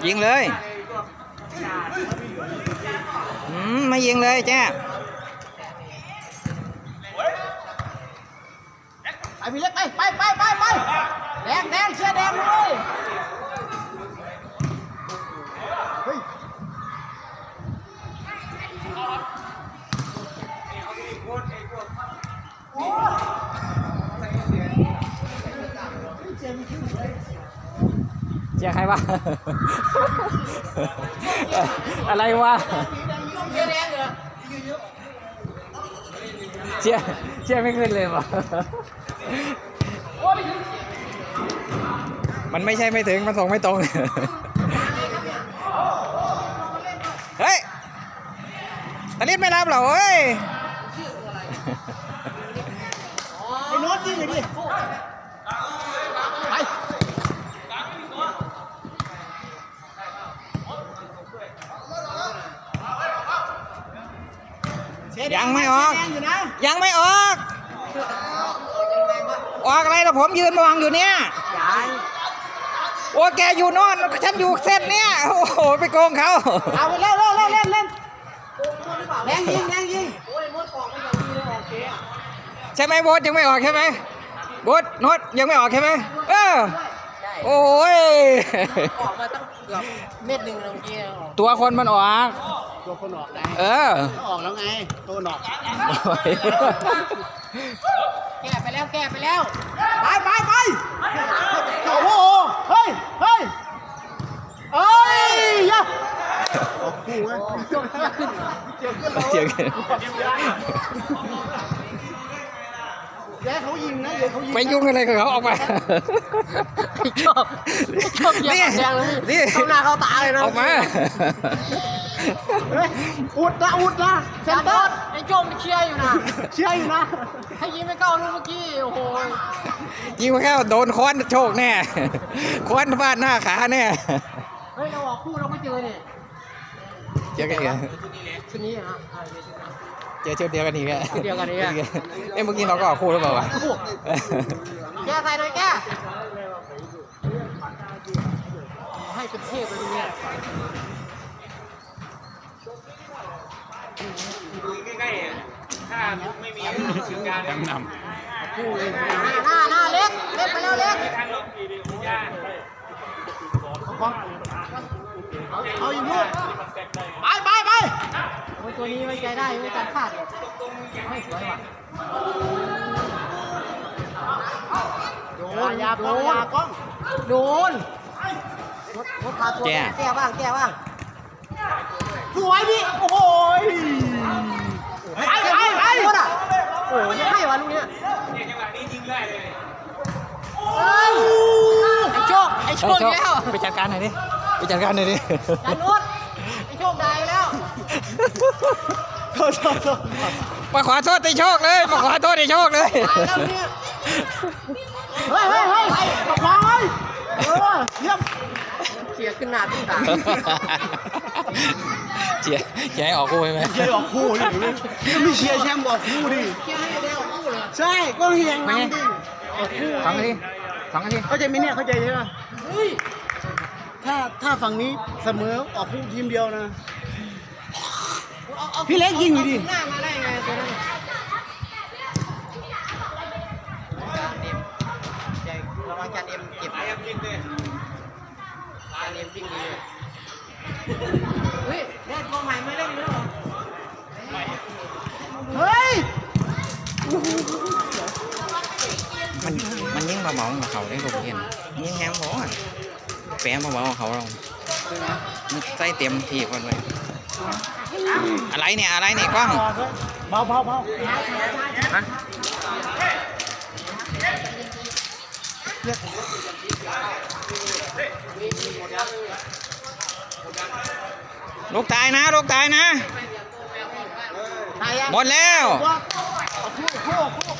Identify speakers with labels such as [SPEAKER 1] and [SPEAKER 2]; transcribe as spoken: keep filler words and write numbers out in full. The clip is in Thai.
[SPEAKER 1] ยิงเลยอืมไม่ยิงเลยแจ้
[SPEAKER 2] ไปพี่เล็กไปไปไปไปไปแดงแดงเชียร์แดงเลยเฮ้ย
[SPEAKER 1] เชียร์ใครวะ อะไรวะเชียร์เชียร์ไม่ขึ้นเลยวะมันไม่ใช่ไม่ถึงมันส่งไม่ตรง เฮ้ยตะลิดไม่รับเหรอเฮ้ย
[SPEAKER 2] ไอ้โน้ตยิงเลยดิไป
[SPEAKER 1] ยังไม่ออกยังไม่ออกออกอะไรนะผมยืนมองอยู่เนี่ยโอ้แกอยู่โน่นฉันอยู่เส้นเนี้ยโอ้โหไปโกงเขา
[SPEAKER 2] เอาไปเล่นเล่นเล่นเล่นเล่นแรงยิงแรงยิง
[SPEAKER 1] ใช่ไหมโบ๊ทยังไม่ออกใช่ไหมโบ๊ทโน้ตยังไม่ออกใช่ไหมเออโอ้ย
[SPEAKER 2] ออกมาตั้งเกือบเม็ดหนึ่งเมื่อกี้
[SPEAKER 1] ตัวคนมันออก
[SPEAKER 2] ตัวคนออกไง
[SPEAKER 1] เออ
[SPEAKER 2] ออกแล้วไงตัวหนอกแก้ไปแล้วแก้ไปแล้วไปไปไปโอ้โหเฮ้ยเฮ้ยเอ้ยยะออกคู่เว้ยเจียวขึ้นเจียวขึ้นเจียวขึ้นแย่เขายิงนะเดี๋ยวเขายิง
[SPEAKER 1] ไปยุ่งอะไรกับเขาออกมา
[SPEAKER 2] ชอบชอบเยี่ยมแดงเลยนี่เข้าหน้าเข้าตาเลยนะ
[SPEAKER 1] ออกมา
[SPEAKER 2] อุดนะอุดนะเซนเตอร์ไอ้โจมเชียร์อยู่นะเชียร์อยู่นะให้ยิงไม่เข้าลูกเมื่อกี้โอ้โห
[SPEAKER 1] ยิงไม่เข้าโดนค้อนโชคแน่ค้อนฟาดหน้าขาแน่
[SPEAKER 2] เฮ้ยเราออกคู่เราไม่เจอเนี่ย
[SPEAKER 1] เจอกันอีก
[SPEAKER 2] ชุดนี้ฮะ
[SPEAKER 1] เจอชุดเดียวกันอีกแล้ว
[SPEAKER 2] ชุดเดียวกันอีก
[SPEAKER 1] เอ้เมื่อกี้เราก็ออกคู่หรือเปล่าวะ
[SPEAKER 2] แก้ใส่หน่อยแก้ให้เป็นเทพเลยเนี่ย
[SPEAKER 3] ใกล้ๆถ้าไม่มีถึงการ
[SPEAKER 1] จำน
[SPEAKER 2] ำคู่เลยหน้าหน้าเล็กเล็กไปแล้วเล็ก
[SPEAKER 3] ทางลงดีดียา
[SPEAKER 2] เอาอีกลูกไปไปไปตัวนี้ไว้ใจได้ไม่การพลาดไม่สวยว่ะโดนยาโดนยากล้องโดนรถรถพาตัวแก้บ้างแก้บ้างสวยดิโอ้โหไปไปไปรถอ่ะโอ้ยให้วะลูกเนี้ย
[SPEAKER 3] เนี่ยจังหวะนี้ยิงได้เลย
[SPEAKER 2] ไอ้โชคไอ้โชคแล้ว
[SPEAKER 1] ไปจัดการหน่อยดิไปจัดการหน่อยดิ
[SPEAKER 2] จัดรถไอ้โชคได้แล้ว
[SPEAKER 1] โทษโทษมาขอโทษไอ้โชคเลยมาขอโทษไอ้โชคเลย
[SPEAKER 2] เฮ้ยเฮ้ยเฮ้ยมาขวางเลยเออเยี่ยมเชียร์ขึ้นหน้าขึ้นตา
[SPEAKER 1] เชียร์เชียร์ให้ออกคู่ใช่ไหม
[SPEAKER 2] เชียร์ออกคู่ดิไม่เชียร์แชมป์ออกคู่ดิเชียร์ให้ได้ออกคู่เลยใช่ก็เฮียงนั่งดิ
[SPEAKER 1] ออกคู่สองนาทีสองนาที
[SPEAKER 2] เข้าใจไหมเนี่ยเข้าใจใช่ไหมถ้าถ้าฝั่งนี้เสมอออกคู่ทีมเดียวนะพี่เล็กยิงอยู่ดิหน้ามาได้ไงตัวนั้นระวังจานเอ็มเก็บ
[SPEAKER 3] ไอ้ยิงเลย
[SPEAKER 2] จานเอ็มวิ่งดีเฮ้ยเล่นกองใหม่ไม่เล่นแล้วเหรอเฮ้ย
[SPEAKER 1] มันมันยิ่งมาเบาของเขาได้ผมเห็นยิ่งแฮมหัวแปะมาเบาของเขาเราใส่เต็มทีคนเลยอะไรเนี่ยอะไรเนี่ยกล้อง
[SPEAKER 2] เบาเบาเบา
[SPEAKER 1] ฮะลูกตายนะลูกตายนะหมดแล้ว
[SPEAKER 2] คู่คู่คู่